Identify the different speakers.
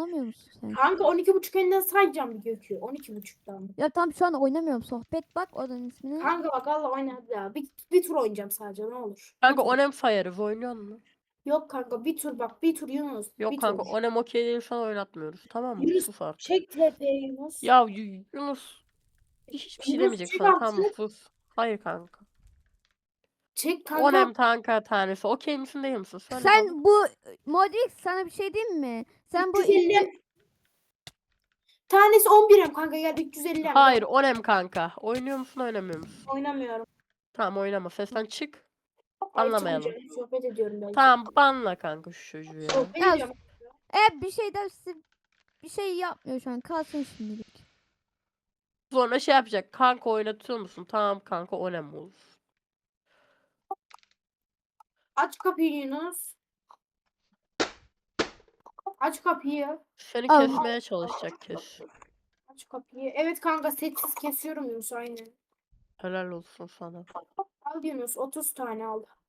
Speaker 1: oynamıyor musun sen?
Speaker 2: Kanka 12.5 elinden sayacağım bir Gökü. 12.5'tan.
Speaker 1: Ya tam şu an oynamıyorum. Sohbet bak odanın ismine.
Speaker 2: Kanka bak Allah oyna hadi ya. Bir tur oynayacağım sadece ne olur. Bir
Speaker 3: Kanka
Speaker 2: tur.
Speaker 3: onem sayarız, oynuyor musun?
Speaker 2: Yok kanka bir tur bak. Bir tur Yunus.
Speaker 3: Yok
Speaker 2: Bir
Speaker 3: kanka,
Speaker 2: tur.
Speaker 3: onem okey değil, şu an oynatmıyoruz. Tamam mı?
Speaker 2: Yunus
Speaker 3: Sus artık.
Speaker 2: çek TP Yunus.
Speaker 3: Ya Yunus hiçbir şey
Speaker 2: Yunus
Speaker 3: demeyecek
Speaker 2: çek
Speaker 3: sana, tamam mı?
Speaker 2: artık.
Speaker 3: Sus. Hayır kanka.
Speaker 2: Çek kanka.
Speaker 3: Onem kanka tanesi. Okey misin değil misin? Söyle bana.
Speaker 1: Sen bu Modrix sana bir şey diyeyim mi? Sen bu
Speaker 2: 350. Tanesi 11'im kanka gel 350'm.
Speaker 3: Hayır onem kanka. Oynuyor musun oynamıyor musun?
Speaker 2: Oynamıyorum.
Speaker 3: Tamam oynama. Sesten çık.
Speaker 2: Ay
Speaker 3: Anlamayalım.
Speaker 2: çıkmayacağım. Sohbet ediyorum belki.
Speaker 3: Tamam banla kanka şu çocuğu ya.
Speaker 2: Sohbet
Speaker 1: Ya,
Speaker 2: ediyorum.
Speaker 1: bir şey dersi bir şey yapmıyor şu an. Kalsın şimdilik.
Speaker 3: Sonra şey yapacak. Kanka oynatıyor musun? Tamam kanka onem olur.
Speaker 2: Aç kapıyı Yunus. Aç kapıyı.
Speaker 3: Seni
Speaker 1: Al.
Speaker 3: kesmeye çalışacak kes.
Speaker 2: Aç kapıyı. Evet kanka sessiz kesiyorum Yunus aynen.
Speaker 3: Helal olsun sana.
Speaker 2: Al Yunus 30 tane al.